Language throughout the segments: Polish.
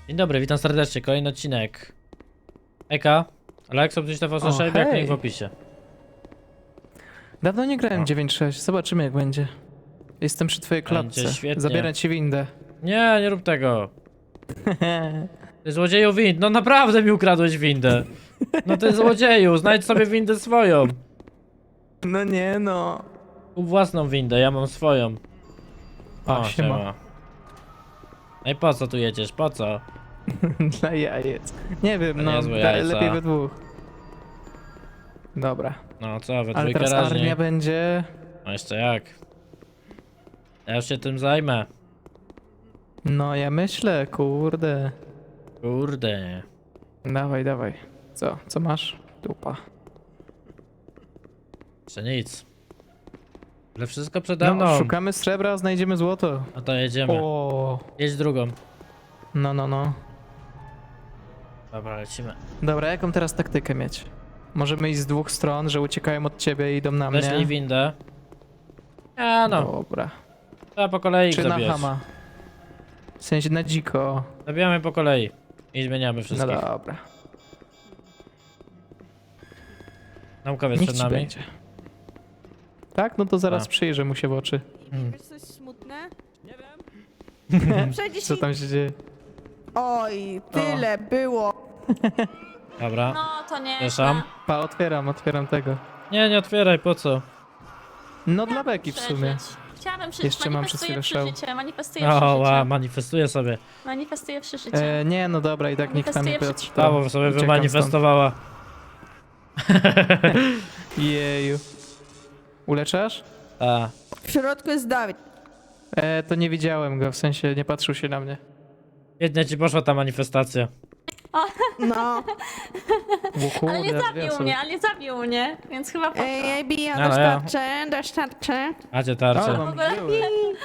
Dzień dobry, witam serdecznie, kolejny odcinek. Eka, Alekso, gdzieś to w hej. jak link w opisie. Dawno nie grałem 9.6, zobaczymy jak będzie. Jestem przy twojej Będzie klatce. świetnie. Zabierać ci windę. Nie, nie rób tego. Ty złodzieju wind, no naprawdę mi ukradłeś windę. No ty złodzieju, znajdź sobie windę swoją. No nie no. Kup własną windę, ja mam swoją. O, siema. No i po co tu jedziesz, po co? Dla jajec. Nie wiem, To no niezłe jajca. lepiej we dwóch. Dobra. No co, we Ale dwójkę teraz raźniej. armia będzie... No jeszcze jak. Ja już się tym zajmę. No ja myślę, kurde. Kurde. Dawaj, dawaj. Co masz? Dupa. Jeszcze nic. Ale wszystko przede No, mną. szukamy srebra, znajdziemy złoto. No to jedziemy. O, Jedź drugą. no. Dobra, lecimy. Dobra, jaką teraz taktykę mieć? Możemy iść z dwóch stron, że uciekają od ciebie i idą na mnie. Weszli windę. A no, Dobra. trzeba po kolei ich Czy na zabijać. hama? W sensie na dziko. Zabijamy po kolei. I zmieniamy No wszystkich. dobra. Naukowiec Niech przed ci nami. będzie. Tak? No to zaraz A. przyjrzę mu się w oczy. Wiesz coś smutne? Nie wiem. Przejdzie Co ci... tam się dzieje? Oj, tyle było. Dobra. No, to nie. Przepraszam. Pa, otwieram tego. Nie, nie otwieraj, po co? No dla beki w sumie. Chciałabym przeżyć. Jeszcze mam przez Manifestuję chwilę szał. przeżycie, manifestuję O, przeżycie. manifestuję sobie. Manifestuję przeżycie. Nie, no dobra, i tak niech tam Manifestuję Piotr. Prawo sobie uciekam wymanifestowała. stąd. Jeju. Uleczasz? A, W środku jest Dawid. To nie widziałem go, w sensie nie patrzył się na mnie. biednie ci poszła ta manifestacja. No. Łuku, Ale nie zabił mnie, więc chyba poszło. Ej, AB, ja No, ja. dostarczę. Macie O, tarczę. mam ogóle- żyły.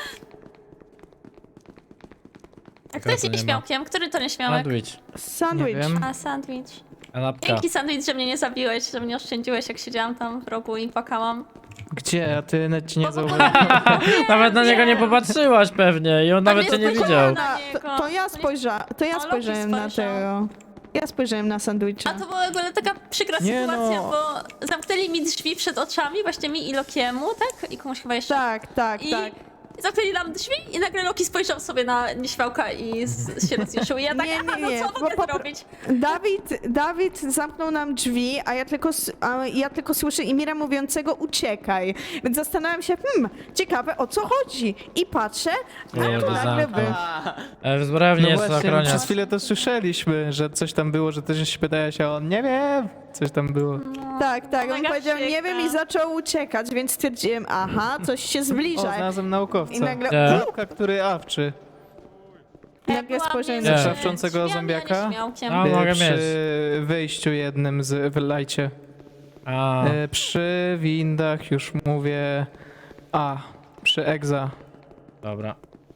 A kto jest to nie ma. nieśmiałkiem? Który to nieśmiałek? Sandwich. Sandwich. Nie wiem. A, sandwich. Kanapka. Dzięki sandwich, że mnie nie zabiłeś, że mnie oszczędziłeś, jak siedziałam tam w rogu i płakałam. Gdzie? A ty nawet ci nie Bo w zauważyłem. ogóle- Nawet na niego nie popatrzyłaś pewnie i on nawet cię nie spojrzałam widział. na To, to ja spojrzałem na Loki tego. Ja spojrzałem na sandwicha. A to była w ogóle taka przykra Nie sytuacja, no. bo zamknęli mi drzwi przed oczami, właśnie mi i Lokiemu, tak? I komuś chyba jeszcze. Tak. I zamknęli nam drzwi i nagle Loki spojrzał sobie na nieśmiałka i się rozjuszył. I ja tak, Nie, aha, nie, no co bo mogę zrobić? Dawid zamknął nam drzwi, a ja tylko słyszę Imira mówiącego uciekaj. Więc zastanawiam się, ciekawe o co chodzi. I patrzę, a Kurde, tu nagle zamknął. wy. W zbrojowni No jest właśnie, ochroniarz. przez chwilę to słyszeliśmy, że coś tam było, że też się pytałeś, a on nie wiem, coś tam było. Tak, on mega powiedział nie przykre. wiem i zaczął uciekać, więc stwierdziłem, aha, coś się O, zbliża. znalazłem naukowca. I nagle, Nie. Klapka, który awczy. nagle Byłam spojrzałem między na Nie. Szawczącego drzwiami a zombiaka? nieśmiałkiem. A, mogę przy mieć. wyjściu jednym w lajcie. A, Przy windach już mówię... Przy Egza. dobra.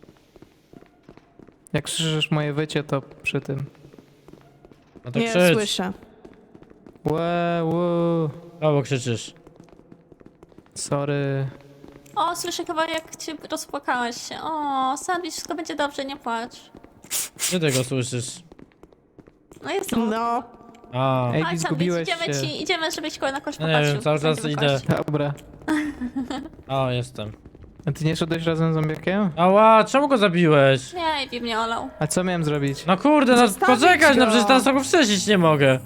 Jak słyszysz moje wycie, to przy tym. No to Nie krzycz. słyszę. Łe. Kogo krzyczysz? Sorry. O, słyszę chyba jak cię rozpłakałeś się. O, sandwich, wszystko będzie dobrze, nie płacz. Gdzie ty go słyszysz? No jestem. No, A, Ej, Chodź, sandwich, zgubiłeś idziemy się. idziemy, żebyś koło na kość No nie popatrzył. wiem, cały czas Będziemy idę. kość. Dobra. o, jestem. A ty nie szedłeś razem z zombiakiem? Ała, czemu go zabiłeś? Nie, i mnie olał. A co miałem zrobić? No kurde, no Zostawić poczekać, no go. przecież teraz go wstrzesić nie mogę.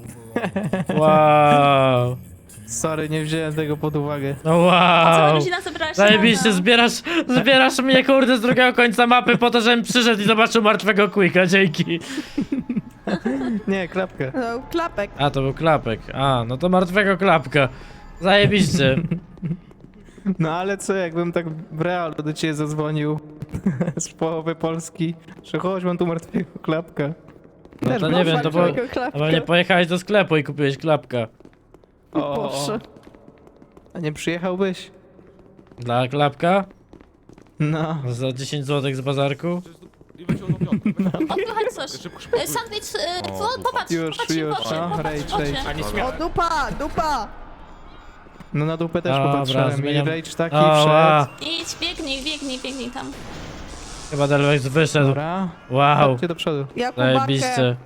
Wow. Sorry, nie wziąłem tego pod uwagę. No Cała wow. rodzina zebrała się Zajebiście, razem. zbierasz mnie kurde z drugiego końca mapy po to, żebym przyszedł i zobaczył martwego Quicka, dzięki. Nie, klapkę. no klapek. A, to był klapek. A, no to martwego klapka. Zajebiście. No ale co, jakbym tak w realu do ciebie zadzwonił z połowy Polski, że chodź, mam tu martwego klapka. No Też to bym- nie wiem, to było... Martwego klapka. No pewnie pojechałeś do sklepu i kupiłeś klapka. Boże. A nie przyjechałbyś? Dla klapka? No. Za 10 zł z bazarku? Odpychać coś. Sandwich, popatrz, Już, popatrz mi w oczy, no, popatrz rage, w oczy. rage. O, dupa! No na dupę też Dobra, popatrzyłem i zmieniam. rage taki Ała. wszedł. Idź, biegnij tam. Chyba Delvex wyszedł. Dobra. Wow. Chodźcie do przodu. Jakubakę. Zajebiście.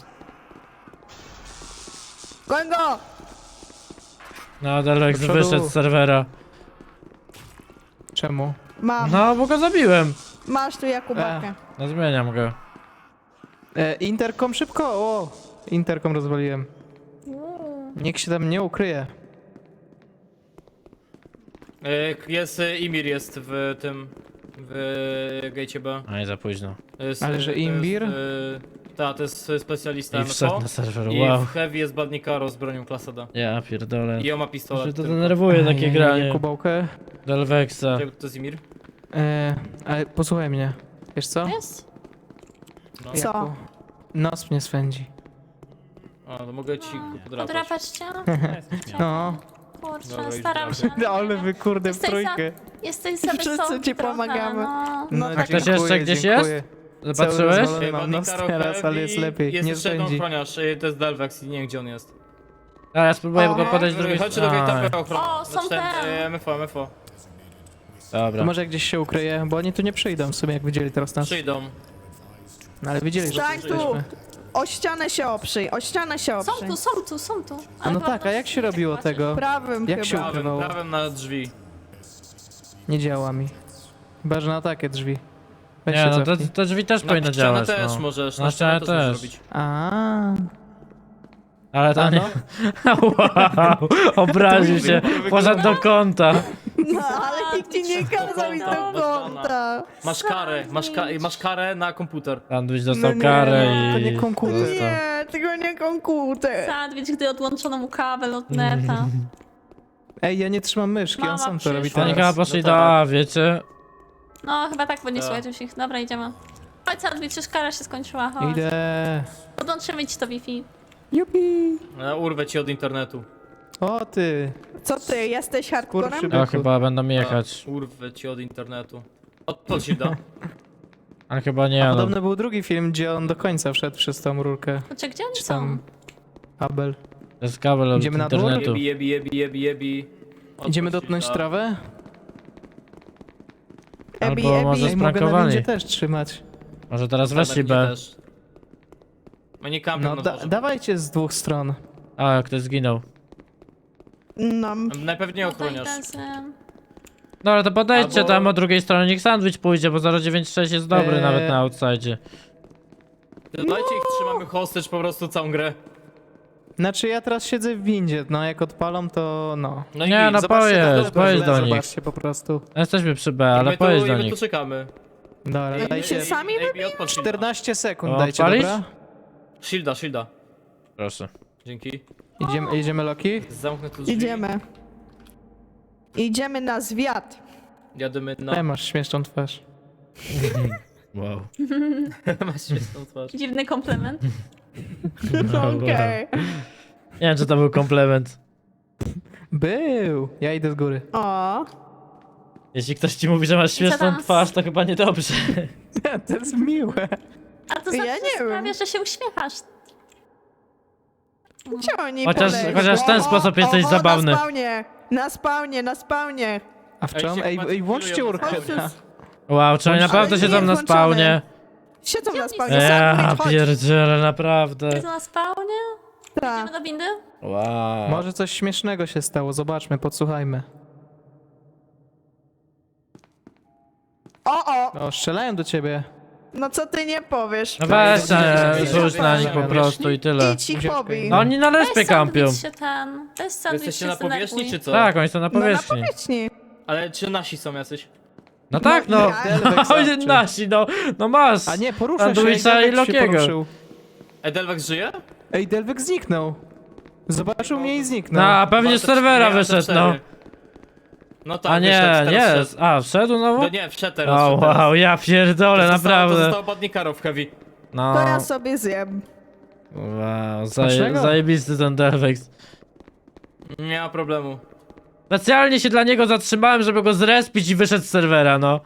Goń go! No, Delvex Do przodu. wyszedł z serwera. Czemu? Mam. No, bo go zabiłem. Masz tu Jakubakę. No, zmieniam go. Interkom szybko! O! Interkom rozwaliłem. Niech się tam nie ukryje. Imir jest w tym... w gate B. A nie za późno. Ale że Imbir? Tak, to jest specjalista I wszedł MFO. na serwer, I wow. w Heavy jest Badnikaro z bronią klasa D. Ja pierdolę. I on ma To pistolet. to tylko. denerwuje takie granie. Jakubałkę. Delvexa. To jest Imir? Ale posłuchaj mnie. Wiesz co? Jest? No. Co? Jaku, nos mnie swędzi. A, to mogę ci go podrapać. Podrapać cię? No. Kurczę, Dobra, już staram się. drapię. Ale wy kurde w Jesteś trójkę. Jesteś sobie Wszyscy sobą ci trochę, pomagamy. No. A ktoś jeszcze gdzieś jest? Zobaczyłeś? rozwalony. Mam nos teraz, ale jest lepiej, Jest nie jeszcze jeden spędzi. ochroniarz, to jest Delvex i nie wiem gdzie on jest. A ja spróbuję go Aha. podejść z drugiej Chodźcie do strony. gate'owego ochrona. O, są te. MFO. Dobra. To może gdzieś się ukryje, bo oni tu nie przyjdą w sumie, jak widzieli teraz nas. Przyjdą. No, ale widzieli, że Stań tu tu! jesteśmy. O ścianę się oprzyj, o ścianę się Są oprzyj. tu, są tu, są tu. A no tak, a jak się robiło tego? Prawym Jak się chyba. ukrywało? Prawym na drzwi. Nie działa mi. Chyba, że na takie drzwi. Weź Nie, się no cofnij. te drzwi też powinny Na ścianę działać, też no. możesz, Na ścianę możesz też. zrobić. A. Ale to A nie... no. Wow, obraził się, poszedł do kąta. No, ale nikt ci nie kazał iść do kąta. Masz karę na komputer. Sandwich No dostał nie, karę to i... nie komputer. dostał. Nie, tego nie komputer. Sandwich, gdy odłączono mu kabel od neta. Ej, ja nie trzymam myszki, on Mama sam to robi przyszła. Oni chyba teraz. poszli No do tak. A, wiecie? No, chyba tak, bo nie Tak. słuchajcie już ich. Dobra, idziemy. Chodź, Sandwich, już kara się skończyła, chodź. Idę. Podłączymy ci to Wi-Fi. Jupi. Urwę ci od internetu. O ty. Co ty, jesteś hardcorem? Kurczę. To chyba będą jechać. Urwę ci od internetu. Odpal się da. Ale chyba nie, A no. podobno był drugi film, gdzie on do końca wszedł przez tą rurkę. Kurczę, gdzie oni Czy są? tam Abel. To jest kabel od Idziemy na dół? internetu. Jebi. Odpal Idziemy się dotknąć da. trawę? Ebi, Albo może Ebi. Ej, mogę na sprankowali. windzie też trzymać. Może teraz Tak, weszli mnie B. też. Oni kampią No na dworze. dawajcie z dwóch stron. A, ktoś zginął. No. Najpewniej No to ochroniarz. idę z... Dobra, to podejdźcie Albo- tam od drugiej strony, niech sandwich pójdzie, bo 096 jest dobry nawet na outside. Dajcie ich, trzymamy hostage po prostu całą grę. Znaczy ja teraz siedzę w windzie, no jak odpalą to no. No i Nie, git. no Zobaczcie na pojedź, dole, pojedź do nich. Zobaczcie po prostu. Jesteśmy przy B, ale my pojedź tu, do my tu nich. czekamy. Dobra, Ej, dajcie się sami odpal shielda. 14 sekund, O, dajcie, palisz? dobra? Shielda. Proszę. Dzięki. Jedziemy Loki? Zamknę tu drzwi. Idziemy. Idziemy na zwiat. Jadymy No. na... Masz śmieszną twarz. Wow. Masz śmieszną twarz. Dziwny komplement. Okej. Nie wiem, czy to był komplement. Był! Ja idę z góry. O. Jeśli ktoś ci mówi, że masz śmieszną tam? twarz, to chyba niedobrze. To jest miłe. A to Ja znaczy, nie że wiem. sprawia, że się uśmiechasz. Gdzie oni Chociaż w ten sposób jesteś zabawny. Na spawnie. A w Ej, czym? się Ej, chyba włączcie chwilują urkę. na Wow, czy oni Ale naprawdę nie siedzą jest na włączone. spawnie? Siedzą na Gdzie spawnie. oni Ja Sandwich, chodź. pierdzielę, naprawdę. Jest na spawnie? Tak. Idziemy do windy? Wow. Może coś śmiesznego się stało, zobaczmy, podsłuchajmy. O, O, strzelają do ciebie. no co ty nie powiesz? No weź, nie, rzuć nie, na nie, nich po nie, prostu i tyle. Idź ich Ucieczkę. pobij. No oni na Weź respie kampią. sandwich się ten. Weź sandwich Jesteście się na powierzchni zdenerwuj. czy co? Tak, oni są na No na powierzchni. powierzchni. Ale czy nasi są jacyś? No tak, no. ja- Delvex Oni zawczy. nasi, no masz. A nie, porusza się, Sandwicha ej, i Delvex się Lokiego. poruszył. Delvex żyje? Ej, Delvex zniknął. Zobaczył mnie i zniknął. No, a pewnie z serwera Nie, to wyszedł, cztery. no. No tak, A nie, wyszedł, nie. teraz wszedł. A, wszedł znowu? No nie, wszedł teraz. O, wszedł teraz. wow, ja pierdolę, To naprawdę. zostało Badnikaro w Heavy. No, To ja sobie zjem. wow, Smacznego. zajebisty ten Delvex. Nie ma problemu. Specjalnie się dla niego zatrzymałem, żeby go zrespić i wyszedł z serwera, no.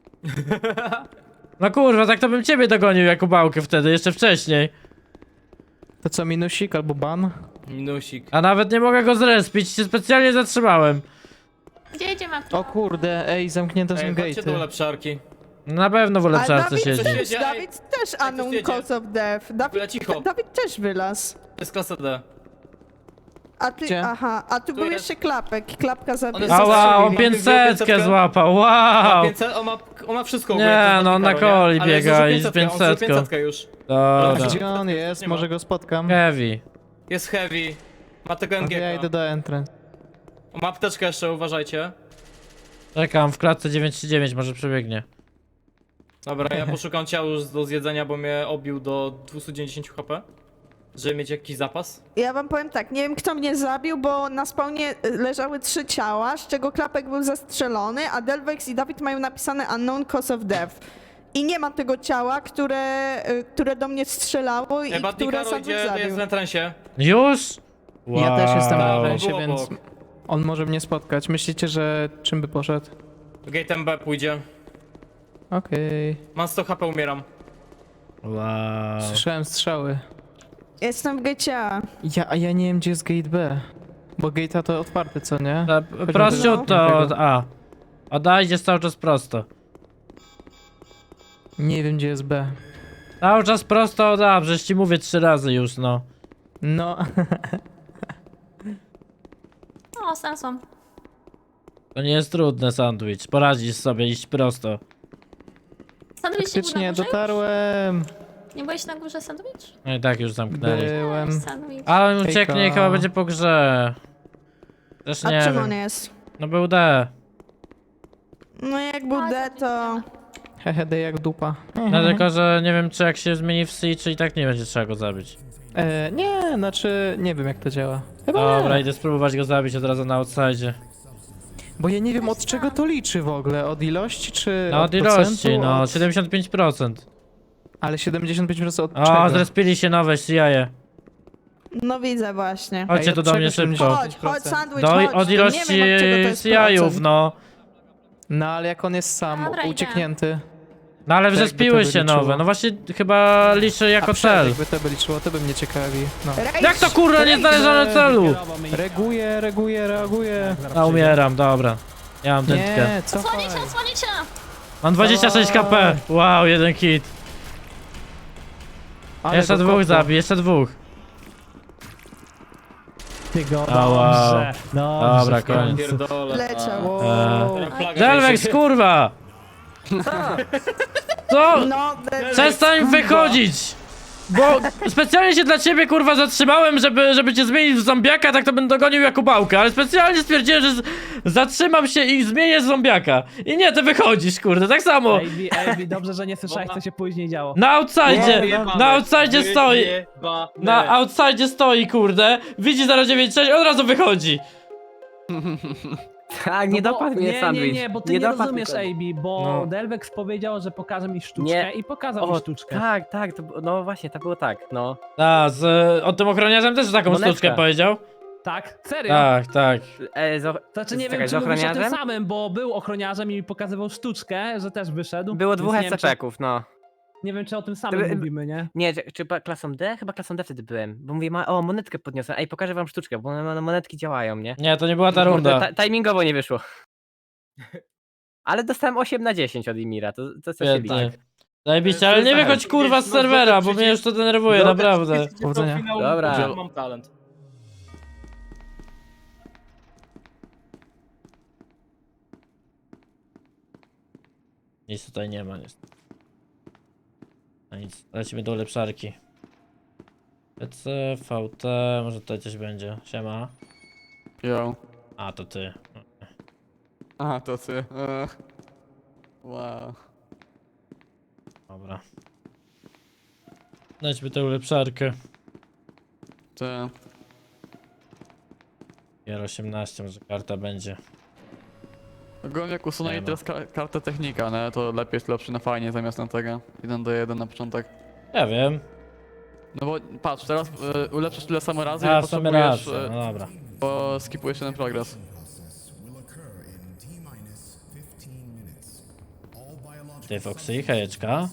No kurwa, tak to bym ciebie dogonił, Jakubałkę wtedy, jeszcze wcześniej. To co, minusik albo ban? Minusik. A nawet nie mogę go zrespić, się specjalnie zatrzymałem. Gdzie idziemy? O kurde, ej, zamknięte są Ej, chodźcie do gate'y. lepszarki. Na pewno w A ulepszarce Dawid siedzi. też, Siedzi, ej. Dawid też unknown jedzie. cause of death. Byle cicho. Dawid też wylazł. To jest klasa D. A ty, Gdzie? aha, a tu był jest. jeszcze klapek. Klapka On zabiła. jest Ała, on Zastrzelili. 500 złapał, wow! 500, on ma wszystko. Nie, ogólnie, to no, on na Karol, nie? coli Ale biega zużył i z 500, on zużył 500. 500 już. Dobra. Gdzie on jest? Nie ma. Może go spotkam. Heavy. Jest heavy. Ma tego Ja idę MG. do entrance. Ma apteczkę jeszcze, uważajcie. Czekam w klatce 939, może przebiegnie. Dobra, ja poszukam ciał już do zjedzenia, bo mnie obił do 290 HP. Żeby mieć jakiś zapas. Ja wam powiem tak, nie wiem kto mnie zabił, bo na spawnie leżały 3 ciała, z czego klapek był zastrzelony, a Delvex i Dawid mają napisane unknown cause of death. I nie ma tego ciała, które do mnie strzelało i Chyba które Karol Sandwich idzie, zabił. jest w entrensie. Już? Ja też jestem na Wow. entrance, Było więc obok. on może mnie spotkać. Myślicie, że czym by poszedł? Gate'em B pójdzie. Okej. Mam 100 HP, umieram. Wow. Słyszałem strzały. Jestem w GCA. A ja nie wiem, gdzie jest gate B. Bo gate'a to otwarte, co nie? Prościutto od Tego. A. Od A idziesz cały czas prosto. Nie wiem, gdzie jest B. Cały czas prosto od A, przecież ci mówię 3 razy już, no. No, O, znalazłam. To nie jest trudne, sandwich. Poradzisz sobie iść prosto. Sandwich nie był na faktycznie górze? dotarłem. Nie byłeś na górze sandwich? No i tak już zamknęli. Byłem. Sandwich. Ale on ucieknie i Hejka. chyba będzie po grze. Też A nie czym wiem. on jest? No był D. No jak był A, D, to... Hehe, D jak dupa. No tylko, że nie wiem czy jak się zmieni w C, czy i tak nie będzie trzeba go zabić. Nie, znaczy nie wiem, jak to działa. Chyba Dobra, nie. idę spróbować go zabić od razu na outside. Bo ja nie wiem, od czego to liczy w ogóle. Od ilości, czy No od ilości, procentu? no Od... 75%. Ale 75% od O, czego? zrespili się nowe CIA. No widzę właśnie. Chodźcie Ej, tu od do czego mnie szybko. 70%? Chodź, sandwich, Do, chodź. od Nie ilości wiem, od czego to jest CIA-ów, procent. no. No ale jak on jest sam, Dobra, idę. ucieknięty. No ale To jakby wrzespiły to by się liczyło. nowe. No właśnie chyba liczy jako cel. Jakby to by liczyło, to by mnie ciekawi. No. Rage, Jak to kurwa nie znalezione celu? Reaguję. A umieram, dobra. Ja mam dętkę. Nie, cofaj. Odsłonicie, odsłonicie! Mam 26 KP. Wow, jeden hit. Ale Jeszcze go dwóch kopło. zabij, jeszcze dwóch. Ty go, A, wow. dobrze, dobrze, Dobra, w koniec. końcu. Pierdolę. Leciał. Wow. Delvex, kurwa! Co? No, Przestań wychodzić! Bo specjalnie się dla ciebie kurwa zatrzymałem, żeby cię zmienić w zombiaka, tak to bym dogonił Jakubałkę, ale specjalnie stwierdziłem, że zatrzymam się i zmienię zombiaka. I nie, ty wychodzisz, kurde, tak samo. Ej, dobrze, że nie słyszałeś, co się później działo. Na outside, na outside stoi, na outside stoi, kurde, widzi 096, od razu wychodzi. Tak, nie No bo- dopadł mnie sandwich. Nie, bo ty nie dopadł rozumiesz, mnie. AB, bo No. Delvex powiedział, że pokaże mi sztuczkę Nie. i pokazał mi O, sztuczkę. tak, no właśnie, to było tak, no. A, o tym ochroniarzem też taką Monetka. sztuczkę powiedział? Tak? Serio? tak. Znaczy nie Czekaj, wiem, z czy mówisz o tym ochroniarzem? samym, bo był ochroniarzem i mi pokazywał sztuczkę, że też wyszedł. Było więc dwóch nie wiem, czy- SCP-ków, no. Nie wiem, czy o tym samym By- mówimy, nie? Nie, czy klasą D? Chyba klasą D wtedy byłem. Bo mówię, o, monetkę podniosłem. Ej, pokażę wam sztuczkę, bo monetki działają, nie? Nie, to nie była ta Kurde, runda. Timingowo nie wyszło. Ale dostałem 8 na 10 od Imira, to co się Świetnie. liczy. Zajebiście, ale nie wychodź kurwa z serwera, bo mnie już to denerwuje, naprawdę. Powodzenia. Dobra. Mam talent. Nic tutaj nie ma, niestety. No nic, lecimy do ulepszarki. PC, VT, może tutaj coś będzie. Siema. Jo. A, to ty. A, to ty. Wow. Dobra. Lećmy tę ulepszarkę. Ty. Gier 18, może karta będzie. Ogólnie jak usunęli Nie ma. teraz kartę technika, nie? To lepiej jest lepszy na fajnie zamiast na tego. 1-1 na początek. Ja wiem. No bo patrz, teraz ulepszysz tyle samo razy A, i w sumie potrzebujesz, rację, no dobra. bo skipujesz ten progres. Ty, Foxy, hejeczka.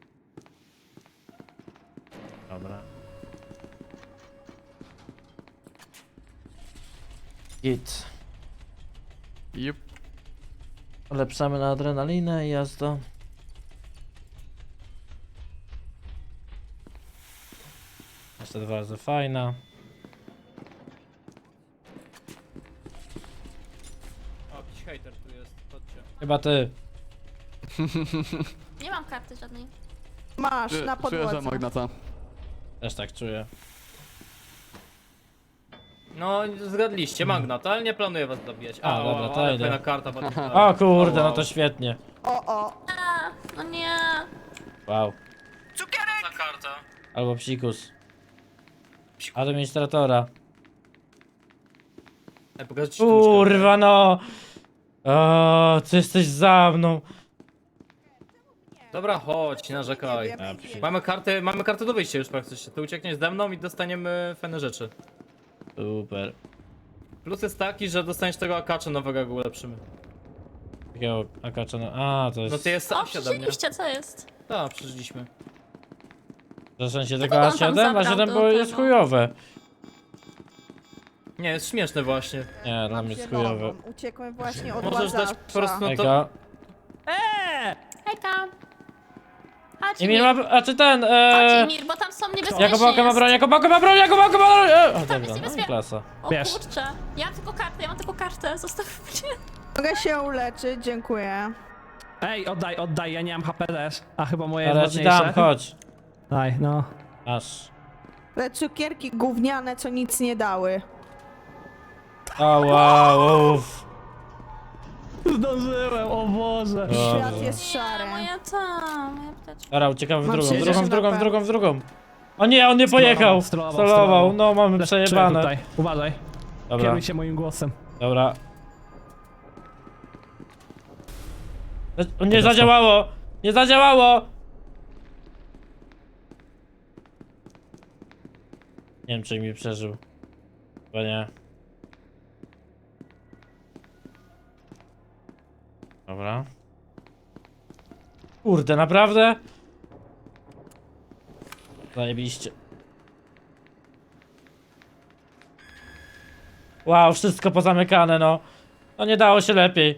Dobra. Git. Jup. Ulepszamy na adrenalinę i jazda. Jeszcze 2 razy fajna. O, jakiś hater tu jest, chodźcie. Chyba ty. Nie mam karty żadnej. Masz, na Czuję, że podłodze. Magnata. Też tak czuję. No, zgadliście, Magnat, ale nie planuję was zabijać. A, dobra, to ale idę. fajna karta, bardzo O kurde, no to świetnie. O, A, no nie. Wow. Ta karta. Albo psikus. Administratora. Ej, pokażę ci sztuczkę. Kurwa no. O, ty jesteś za mną. Dobra, chodź, nie narzekaj. nie wiem. Mamy kartę do wyjścia już praktycznie. Ty uciekniesz ze mną i dostaniemy fajne rzeczy. Super. Plus jest taki, że dostaniesz tego akacza nowego, jak go ulepszymy. Takiego akacza, no. A, to No jest... ty jest O, A7, nie? przeżyliście, co jest? Tak, przeżyliśmy. W sensie tego Kogo on tam A7? zabrał A7 do było jest tego? chujowe. Nie, jest śmieszne właśnie. Nie, dla mnie jest chujowe. zieloną. Uciekłem właśnie od Możesz dać łazacza. po prostu no to... Eka. Hejka. Chodź, Emil Emir. ma... A czy ten... Chodź, Emir, bo tam są niebezpieczni. Jakubałka ma jest. broń, Jakubałka ma broń, Jakubałka ma broń! O, dobra, jest no i niebezpie- klasa. O Wiesz. kurczę. Ja mam tylko kartę, zostaw mnie. Mogę się uleczyć, dziękuję. Ej, oddaj, ja nie mam HP też. A chyba moje Ale ja jest ci ważniejsze. dam, chodź. Daj, no. Aż. Te cukierki gówniane, co nic nie dały. O, wow, uff. Zdążyłem, o Boże. Świat jest szary. Moja moja apteczka. Dobra, uciekamy w Mam drugą, przecież w drugą, mapę. w drugą. O nie, on nie pojechał. Stolował, no mamy Czuję przejebane. tutaj, uważaj. Dobra, Kieruj się moim głosem. dobra. O, nie zadziałało! Nie zadziałało! Nie wiem, czy mi przeżył. Chyba nie. Dobra. Kurde, naprawdę? Zajebiście. Wow, wszystko pozamykane, no. No nie dało się lepiej.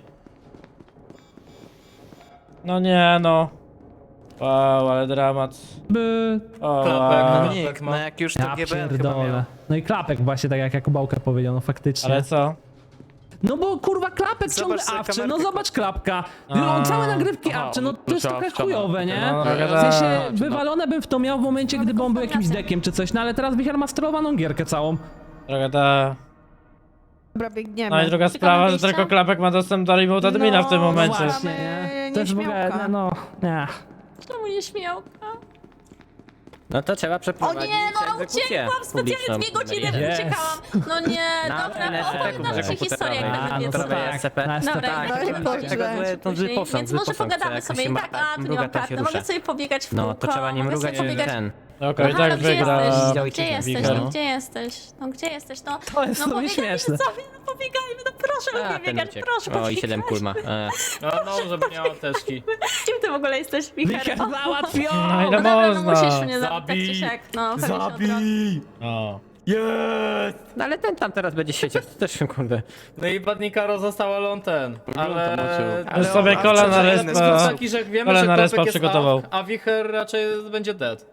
No nie, no. Wow, ale dramat. By... O, Klapek, wow. no. Nick, no jak już to Ja GBN chyba miał. pierdolę. No i klapek właśnie, tak jak Jakubałka powiedział, no faktycznie. Ale co? No bo kurwa klapek Zobacz ciągle sobie awczy, no kamerkę, zobacz klapka. A. No, całe nagrywki Aha, awczy, no no to jest trzeba trochę wciągnąć. chujowe, nie? No, W tak. sensie wywalone bym w to miał w momencie, gdyby on był jakimś dekiem czy coś, no ale teraz Wicher ma sterowaną gierkę całą. Droga ta... Dobra, biegniemy. No i druga sprawa, że wyjścia? tylko klapek ma dostęp do remote admina w tym No, momencie. Właśnie, Mamy nie? To jest w ogóle, nieśmiałka. no, nie. Czemu nie śmiałka? No to trzeba O przeprowadzić nie, no egzekucję uciekłam! Specjalnie 2 godziny publiczną. uciekałam. No nie, Na dobra, NSP-ku opowiadam ci historię, jak A, będę no to wiedziała. tak, SCP. na SCP. Dobra, No i oczywiście. Boże. To Później, zły Więc może pogadamy sobie i tak, a tu nie mam karty, mogę sobie pobiegać w No kółko, to trzeba nie mogę mrugać sobie i pobiegać. ten. Okej, No tak halo, gdzie wygra. jesteś? Wicher. Gdzie jesteś? Wicher. No gdzie jesteś? No gdzie jesteś? No, To jest no sobie pobiegajmy śmieszne. sobie, no pobiegajmy, no proszę A, lubię ten biegać, uciekł. proszę O, i 7 pobiegać. kul ma. No, żeby miała apteczki. Kim ty w ogóle jesteś, Wicher? Wicher O, załatwił! No ile dobra, no można? musisz mnie zabić, tak czy siak, no, pewnie się obronię. O. No ale ten tam teraz będzie siedzieć, to też kurde. No i Badnikaro został, ale on ten. Ale... Ale już sobie on kola awczy na za inny Jest respa. sposób. taki, że jak wiemy, Ale że na respa klapek jest przygotował. a Wicher raczej będzie dead.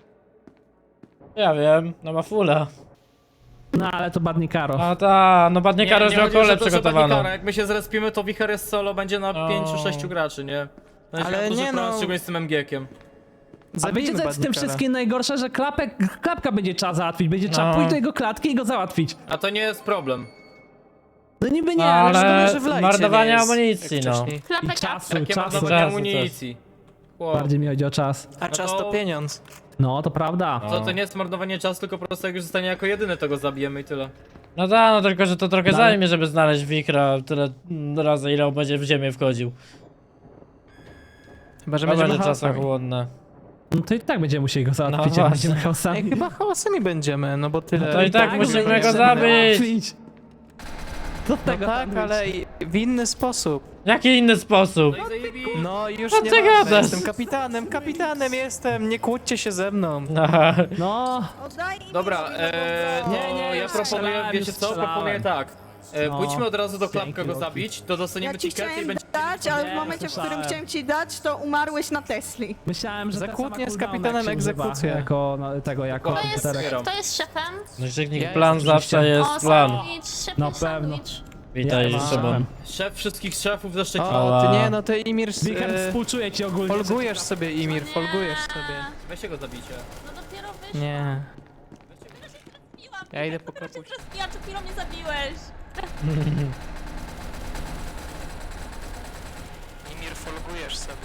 Ja wiem, no ma fula. No ale to Badnikaro. A ta, no badnie karo już miał chodzi o kolę to, że przygotowaną. Badnikaro, jak my się zrespimy, to Wicher jest solo, będzie na No. 5-6 graczy, nie? No i Ale ale duży nie problem, no. szczególnie z tym MG-kiem. A wiecie co jest w tym wszystkim najgorsze, że klapka będzie trzeba załatwić, będzie trzeba No. pójść do jego klatki i go załatwić. A to nie jest problem. No niby nie, No, ale... ale że w lajcie marnowanie nie jest, amunicji, jak no. wcześniej. I Klapek czasu, Jakie ma czasu. dawanie Czasu amunicji? Wow. Bardziej mi chodzi o czas. A czas No to to- pieniądz. No, to prawda. To nie jest marnowanie czasu, tylko po prostu jak już zostanie jako jedyny, to go zabijemy i tyle. No tak, no tylko, że to trochę No. zajmie, żeby znaleźć Wikra tyle razy, ile on będzie w ziemię wchodził. Chyba, że To będzie będziemy chaosami. czasochłonne. No to i tak będziemy musieli go załatwić, No jak właśnie. będziemy Ej, chaosami. chyba chaosami będziemy, no bo tyle... No to i tak musimy będziemy go zabić. załatwić. Do No tego tak, ale w inny sposób. Jaki inny sposób? No i zajebi... No już Co nie ty ważne, gadasz? jestem kapitanem jestem, nie kłóćcie się ze mną. Aha. No, Oddaj mi Dobra, mi Nie, ja proponuję, strzelałem, wiecie co? strzelałem. Proponuję tak. Pójdźmy od razu do Dzięki, klapka go Loki. zabić, to dostaniemy Ja ci tikety i chciałem będzie... dać, ale w Nie, momencie, w którym słyszałem. chciałem ci dać, to umarłeś na Tesli. Myślałem, że Za ta kłótnie sama z cooldowna, kapitanem jak się używa egzekucja. Jako tego, jako Kto Kto komputerek. jest, kto jest szefem? No i Ja plan jestem zawsze jest O, plan. sandwich, szef Na i pewno. sandwich. Witaj, Ja Szymon. mam. Szef wszystkich szefów ze Szczecina. O, ty nie, no ty Imir, Wicher, współczuję ci ogólnie. że- folgujesz sobie Imir, folgujesz sobie. Weźcie go zabijcie. No dopiero wyszło. Nie. Zabiłam. Ja idę po Dopiero cię kapuś. rozbiłam, przed chwilą mnie zabiłeś. Imir, folgujesz sobie.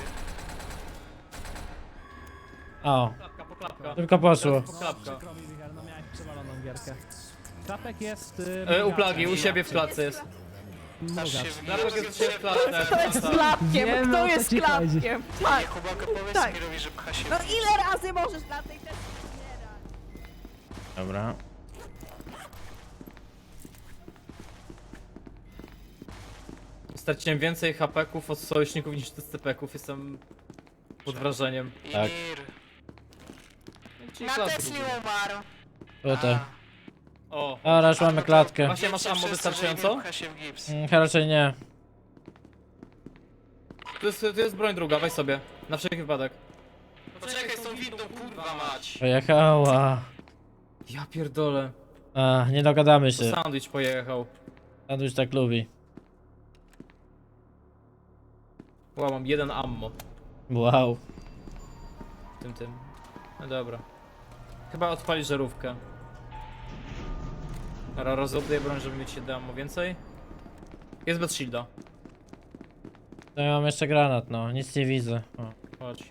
O, Klapka. tylko poszło. Klapka. Wicher, no miałeś przewaloną gierkę. Klapek jest... U plagi, u siebie w klatce jest. Mrugacz. Klapek jest u siebie w klatce. Kto jest klapkiem? Wiem, o Kto co jest ci chodzi. klapkiem? Tak. Chłopaka, powiedz Tak. Imirowi, że pcha się. No ile razy możesz na tej Tesli umierać? Dobra. Straciłem więcej HP-ków od sojuszników niż SCP-ków, jestem pod wrażeniem. Tak. Czyli klapy głównie. umarł. Tutaj. O, Dobra, już mamy klatkę. właśnie masz ammo wystarczająco? Pcha się w gips. Raczej nie. To jest broń druga, weź sobie. Na wszelki wypadek. Poczekaj z tą windą, kurwa mać. Pojechała. Ja pierdolę. A, nie dogadamy To się. sandwich pojechał. Sandwich tak lubi. Wow, mam jeden ammo. Wow. Tym. No dobra. Chyba odpali żarówkę. Dobra, rozładuję broń, żeby mieć 7 ammo więcej. Jest bez shielda. To ja mam jeszcze granat, no. Nic nie widzę. O. Chodź.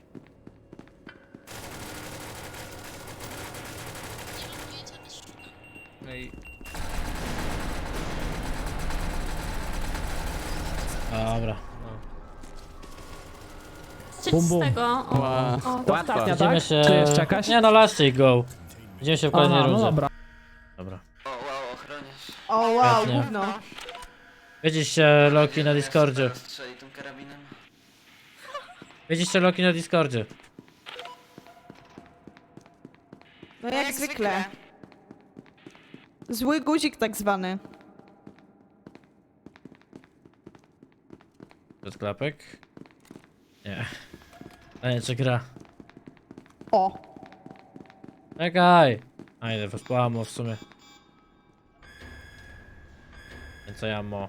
No i... Dobra. Czy Bum, z bum. tego? O, Wow. o. To ostatnia, Widzimy tak? się... Czy jest jakaś? Nie no, last go. Widzimy się w kolejnej Aha, no rundzie. dobra. Dobra. O wow, Świetnie. gówno. Widzicie Loki na Discordzie. Strzeli tym karabinem. Widzicie Loki na Discordzie. No jak zwykle. Zły guzik tak zwany. Przed klapek? Nie. A nie, czy gra? O. Czekaj! A idę was po ammo w sumie. Więcej ammo.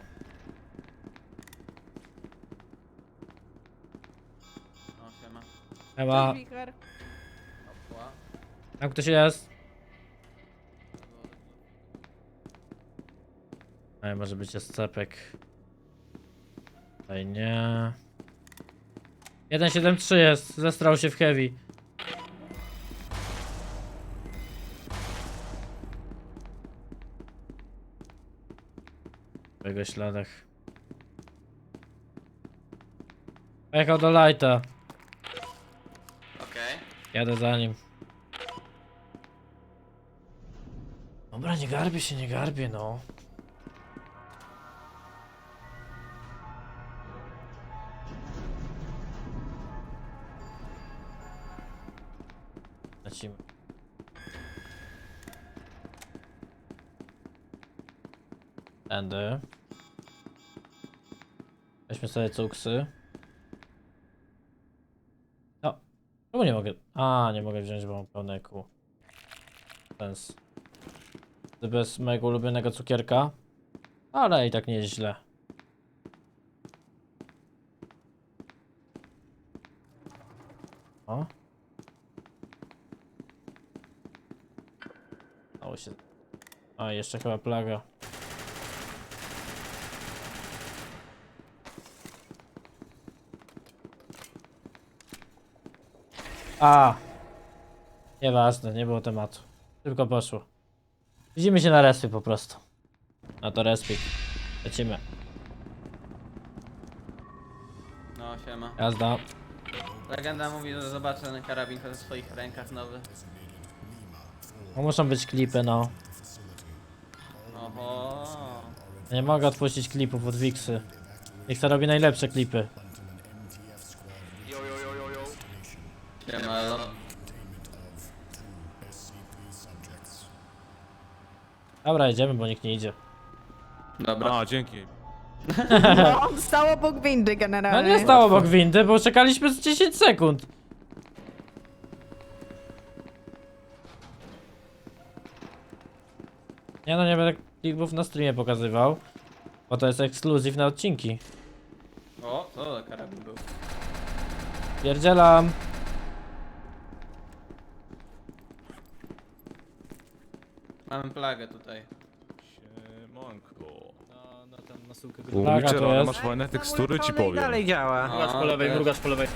No, siema. Chyba. Wicher. Tam ktoś jest? Ej, może być SCP-ek. Tutaj nie. 173 jest, zestrał się w heavy. W jego śladach. Pojechał do lighta. Okej. Jadę za nim. Dobra, nie garbię się, nie garbię, no. Lecimy. Tędy. Weźmy sobie cuksy. No. Czemu nie mogę? A, nie mogę wziąć, bo mam pełne kół. Sens. Bez mojego ulubionego cukierka. Ale i tak nie jest źle. O. Dało się. A, jeszcze chyba plaga. A. Nieważne, nie było tematu. Tylko poszło. Widzimy się na respie po prostu. No to respik. Lecimy. No, siema. Jazda. Legenda mówi, że zobaczę ten karabin w swoich rękach nowy. No muszą być klipy, no. Oho. Ja nie mogę odpuścić klipów od Wixy. Wixa robi najlepsze klipy. Siema, elo. Dobra, idziemy, bo nikt nie idzie. Dobra. A, dzięki. No, on stał obok windy No generalnie. nie stało obok windy, bo czekaliśmy z 10 sekund. Nie no, nie będę klipów na streamie pokazywał, bo to jest ekskluzyw na odcinki. O, co za karabin był? Pierdzielam. Mamy plagę tutaj. Siemanko. Na ten, na sułkę U, Plaga Witcher, to ale jest. masz fajne tekstury, ci No i powiem. dalej działa. Mrugacz po lewej, też. mrugacz po lewej.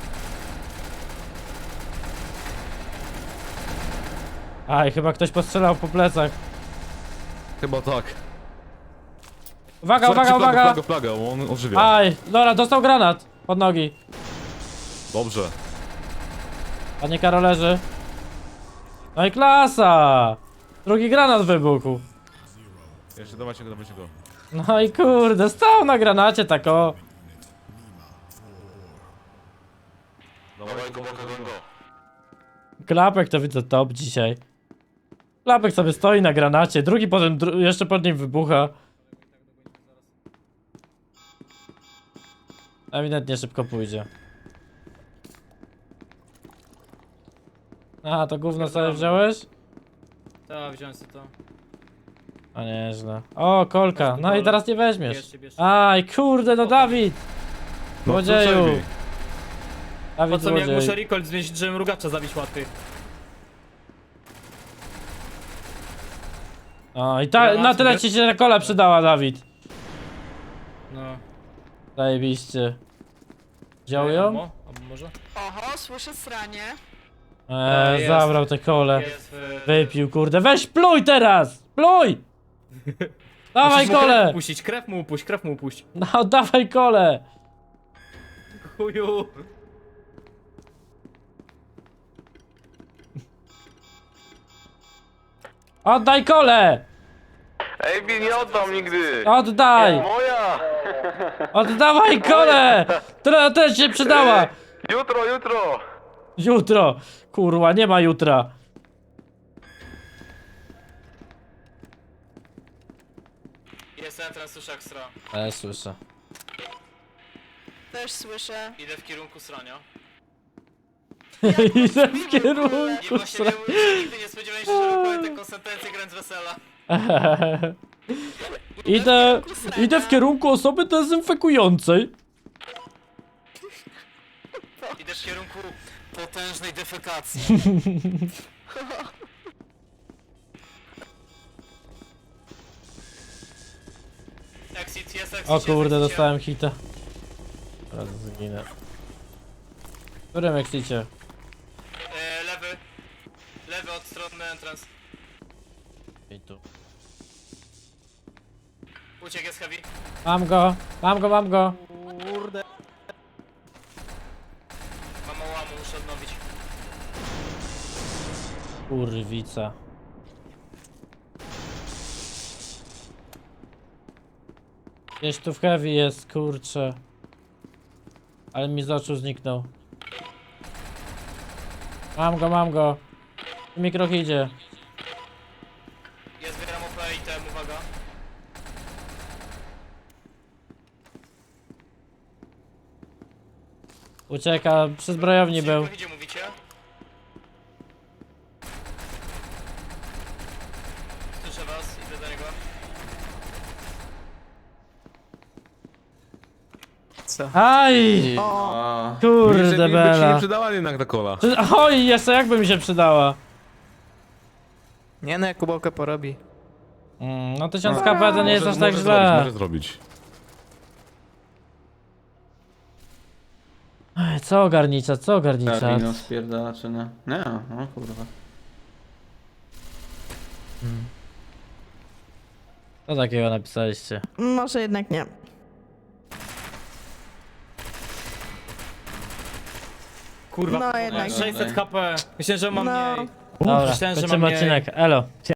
Aj, chyba ktoś postrzelał po plecach. Chyba tak. Uwaga, Słuchajcie, uwaga, uwaga! Plaga, on ożywia. Aj, dobra, dostał granat pod nogi. Dobrze. Panie Karolerzy. No i klasa! Drugi granat wybuchł. Jeszcze dawajcie go, dawajcie go. No i kurde, stał na granacie tak o. Dawaj go, go. Klapek to widzę top dzisiaj. Klapek sobie stoi na granacie, drugi potem jeszcze pod nim wybucha. Ewidentnie szybko pójdzie. Aha, to gówno sobie wziąłeś? Tak, wziąłem sobie to. A nieźle. O, kolka. No i teraz nie weźmiesz. Bierzcie, bierzcie. Aj, kurde, no Dawid! No, Złodzieju! Złodzieju! Po Dawid co mi jak złodziej. muszę recoil zmienić, żeby mrugacza zabić łatwiej? O, i Granat, na tyle wiesz? ci się ta kola przydała, Dawid. No. Zajebiście. Wziął ją? Albo może? Oho, słyszę sranie. Jest. Zabrał te kole. Jest Wypił, kurde. Weź pluj teraz! Pluj! Dawaj Musisz mu krew kole! upuścić, krew mu upuść, krew mu upuść. No, dawaj kole! Chuju. Oddaj kole! Ej, nie oddam nigdy! Oddaj! Moja! Oddawaj kole! Która też się przydała! Jutro, jutro! Jutro! Kurwa, nie ma jutra. Jest entrance, słyszę ekstra. Słyszę. Też słyszę. Idę w kierunku srania. Idę w kierunku Nigdy nie spodziewałem się, że powiem taką sentencję grając wesela. Idę w kierunku osoby dezynfekującej. Idę w kierunku potężnej defekacji. Exit, jest exit. O kurde, jest dostałem hita. Teraz zginę. W którym exicie? Lewy. Lewy od strony entrance. I tu. Uciek jest heavy. Mam go, mam go, mam go. Mam ołamu, muszę odnowić. Kurwica. Gdzieś tu w heavy jest, kurczę. Ale mi z oczu zniknął. Mam go. Mikrok idzie. Ja zbieram OP i tem, uwaga. Ucieka, przy zbrojowni był. Gdzie mówicie? Słyszę was, idę do niego. Aj! O, Kurde bela. przydała jednak ta kola. Oj, jeszcze jakby mi się przydała. Nie no, Jakubałka porobi. No 1000 KP to nie jest aż tak źle. Może zrobić. Ej, co ogarnicza, co ogarnicza? karabin spierdala czy nie? Nie, no kurwa. Co takiego napisaliście? Może jednak nie. Kurwa, No jednak. 600 HP. Myślę, że mam No. mniej. Dobra, myślałem, że kończymy mam mniej. odcinek, elo.